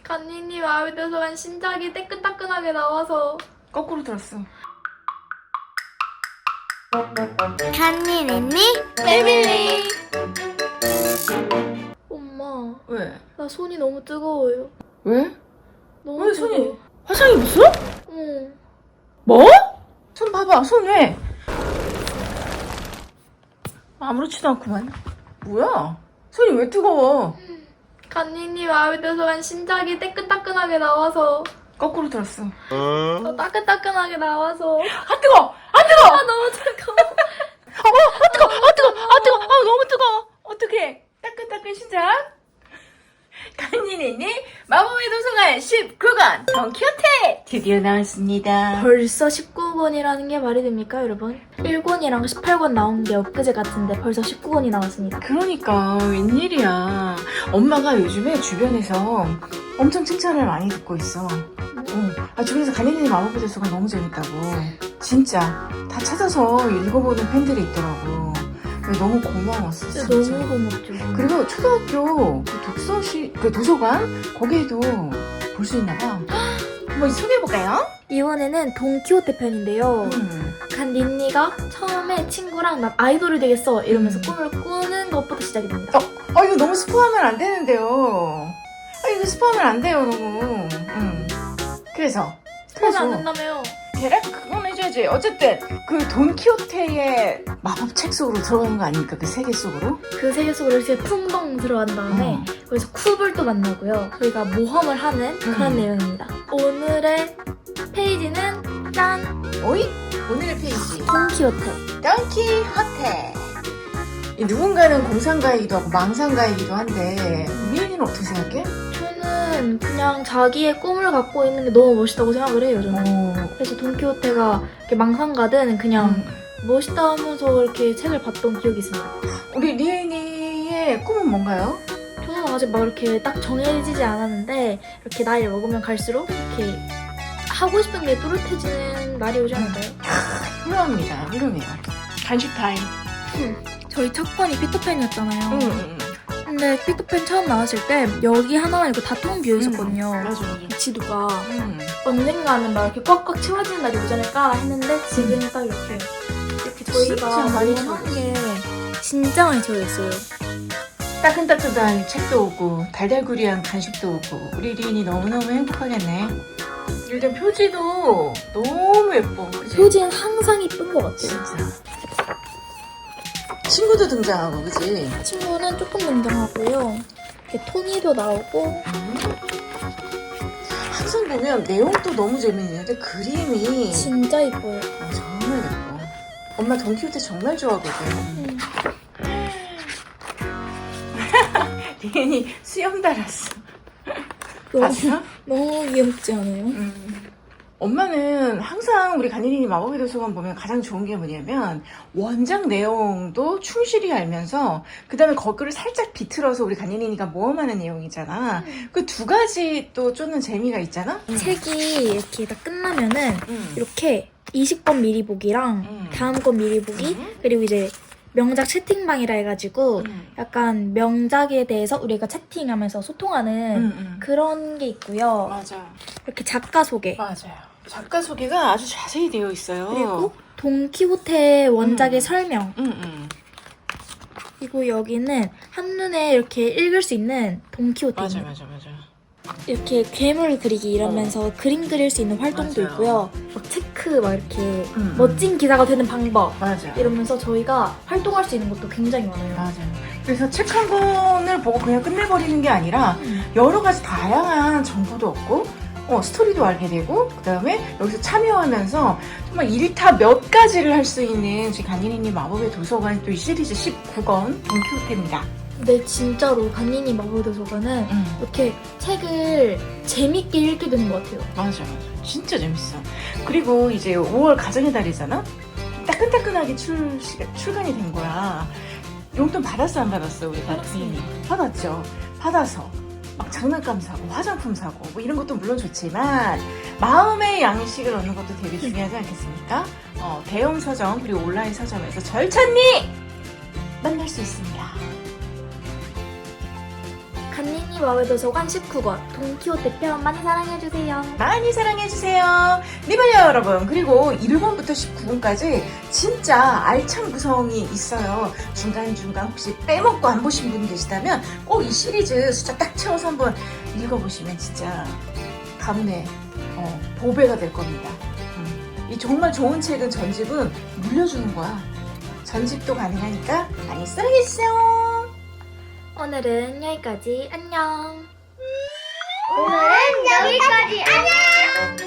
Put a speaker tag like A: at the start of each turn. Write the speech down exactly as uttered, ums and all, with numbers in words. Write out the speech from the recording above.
A: 간니님 마음에 들어서 신작이 따끈따끈하게 나와서
B: 거꾸로 들었어.
C: 간니니니
A: 패밀리. 엄마,
B: 왜?
A: 나 손이 너무 뜨거워요.
B: 왜?
A: 너무
B: 왜
A: 뜨거워.
B: 손이? 화장이 없어?
A: 응.
B: 뭐? 손 봐봐, 손 왜? 아무렇지도 않구만. 뭐야? 손이 왜 뜨거워?
A: 간니님 마음에 들어서 신작이 따끈따끈하게 나와서
B: 거꾸로 들었어.
A: 어, 따끈따끈하게 나와서
B: 아 뜨거! 아 뜨거!
A: 아 너무 뜨거워.
B: 어, 아 뜨거! 아 뜨거! 아 뜨거! 아 너무 뜨거워. 어떡해? 따끈따끈 신작. 간니니니 마법의 도서관 십구 권 돈키호테 드디어 나왔습니다.
A: 벌써 십구 권이라는 게 말이 됩니까, 여러분? 일 권이랑 십팔 권 나온 게 엊그제 같은데 벌써 십구 권이 나왔습니다.
B: 그러니까 웬일이야. 엄마가 요즘에 주변에서 엄청 칭찬을 많이 듣고 있어. 어, 아, 주변에서 간니니니 마법의 도서관 너무 재밌다고. 진짜 다 찾아서 읽어보는 팬들이 있더라고. 너무 고마웠어.
A: 진짜
B: 진짜.
A: 너무 고맙죠.
B: 그리고 초등학교 그 독서실, 그 도서관 거기에도 볼 수 있나 봐. 한번 소개해볼까요?
A: 이번에는 돈키호테 편인데요.
B: 음.
A: 간니니가 처음에 친구랑 난 아이돌이 되겠어 이러면서
B: 음.
A: 꿈을 꾸는 것부터 시작이 됩니다.
B: 어, 이거 너무 스포하면 안 되는데요. 아, 이거 스포하면 안 돼요, 너무. 음. 그래서.
A: 그래서 안 된다며요.
B: 대략 그건 해줘야지. 어쨌든 그 돈키호테의 마법책 속으로 들어가는 거 아닙니까? 그 세계 속으로?
A: 그 세계 속으로 이렇게 풍덩 들어간 다음에
B: 어.
A: 거기서 쿱을 또 만나고요. 저희가 모험을 하는 그런
B: 음.
A: 내용입니다. 오늘의 페이지는 짠!
B: 오이? 오늘의 페이지.
A: 돈키호테.
B: 돈키호테. 이 누군가는 공상가이기도 하고 망상가이기도 한데 미연이는 어떻게 생각해?
A: 저는 그냥 자기의 꿈을 갖고 있는 게 너무 멋있다고 생각을 해요, 저는.
B: 어.
A: 그래서 돈키호테가 이렇게 망상가든 그냥
B: 음.
A: 멋있다 하면서 이렇게 책을 봤던 기억이 있습니다.
B: 우리 리엔이의 꿈은 뭔가요?
A: 저는 아직 막 이렇게 딱 정해지지 않았는데 이렇게 나이를 먹으면 갈수록 이렇게 하고 싶은 게 또렷해지는 날이 오지 않을까요?
B: 훌륭합니다. 훌륭해요. 간식 타임.
A: 저희 첫 권이 피터팬이었잖아요.
B: 응, 응,
A: 근데 피터팬 처음 나왔을 때 여기 하나만 있고 다 텅 비어 있었거든요.
B: 응. 맞아, 맞아.
A: 지도가
B: 응.
A: 언젠가는 막 이렇게 꽉꽉 채워지는 날이 오지 않을까 했는데 지금은 딱 이렇게 이렇게 저희가
B: 진짜 많이
A: 모험하는 게 진짜 많이 채워있어요.
B: 따끈따끈한 책도 오고 달달구리한 간식도 오고 우리 리인이 너무너무 행복하겠네. 일단 표지도 너무 예뻐. 그치?
A: 표지는 항상 이쁜 것 같아요.
B: 진짜. 친구도 등장하고 그치?
A: 친구는 조금 등장하고요. 이렇게 토니도 나오고
B: 항상 보면 내용도 너무 재밌는데 그림이
A: 진짜 이뻐요.
B: 아, 정말 예뻐. 엄마 돈키호테 정말 좋아하거든.
A: 음.
B: 리인이 수염 달았어.
A: 너무,
B: 봤어?
A: 너무 귀엽지 않아요?
B: 음. 엄마는 항상 우리 간니니니 마법의 도서관 보면 가장 좋은 게 뭐냐면 원작 내용도 충실히 알면서 그 다음에 거기를 살짝 비틀어서 우리 간니니니가 모험하는 내용이잖아.
A: 음.
B: 그 두 가지 또 쫓는 재미가 있잖아.
A: 책이 이렇게 다 끝나면은
B: 음.
A: 이렇게 이십 권 미리 보기랑
B: 음.
A: 다음 권 미리 보기
B: 음.
A: 그리고 이제 명작 채팅방이라 해가지고
B: 음.
A: 약간 명작에 대해서 우리가 채팅하면서 소통하는
B: 음, 음.
A: 그런 게 있고요.
B: 맞아.
A: 이렇게 작가 소개
B: 맞아요. 작가 소개가 아주 자세히 되어 있어요.
A: 그리고 돈키호테 원작의
B: 음.
A: 설명
B: 음, 음.
A: 그리고 여기는 한눈에 이렇게 읽을 수 있는 돈키호테입니다.
B: 맞아, 맞아, 맞아.
A: 이렇게 괴물 그리기 이러면서 그림 그릴 수 있는 활동도
B: 맞아요.
A: 있고요. 막 체크 막 이렇게
B: 음.
A: 멋진 기사가 되는 방법
B: 맞아.
A: 이러면서 저희가 활동할 수 있는 것도 굉장히 많아요.
B: 맞아요. 그래서 책 한 권을 보고 그냥 끝내버리는 게 아니라
A: 음.
B: 여러 가지 다양한 정보도 얻고 어, 스토리도 알게 되고 그 다음에 여기서 참여하면서 정말 일타 몇 가지를 할 수 있는 저희 간니니니 마법의 도서관 또 이 시리즈 십구 권 돈키호테입니다.
A: 근데 진짜로 간니니 마법의 도서관은
B: 음.
A: 이렇게 책을 재밌게 읽게 되는 것 같아요.
B: 맞아, 맞아. 진짜 재밌어. 그리고 이제 오월 가정의 달이잖아? 따끈따끈하게 출, 출간이 된 거야. 용돈 받았어, 안 받았어, 우리 간니니? 받았죠. 받아서 막 장난감 사고 화장품 사고 뭐 이런 것도 물론 좋지만 마음의 양식을 얻는 것도 되게 중요하지 않겠습니까? 어, 대형 서점 그리고 온라인 서점에서 절찬리 만날 수 있습니다.
A: 간니니 디즈니 마을도서관 십구 권 돈키호테 편 많이 사랑해주세요.
B: 많이 사랑해주세요. 리발리아 여러분. 그리고 일 권부터 십구 권까지 진짜 알찬 구성이 있어요. 중간중간 혹시 빼먹고 안 보신 분 계시다면 꼭 이 시리즈 숫자 딱 채워서 한번 읽어보시면 진짜 가문의 어, 보배가 될 겁니다. 음. 이 정말 좋은 책은 전집은 물려주는 거야. 전집도 가능하니까 많이 사랑해주세요.
A: 오늘은 여기까지. 안녕.
C: 오늘은 여기까지. 안녕.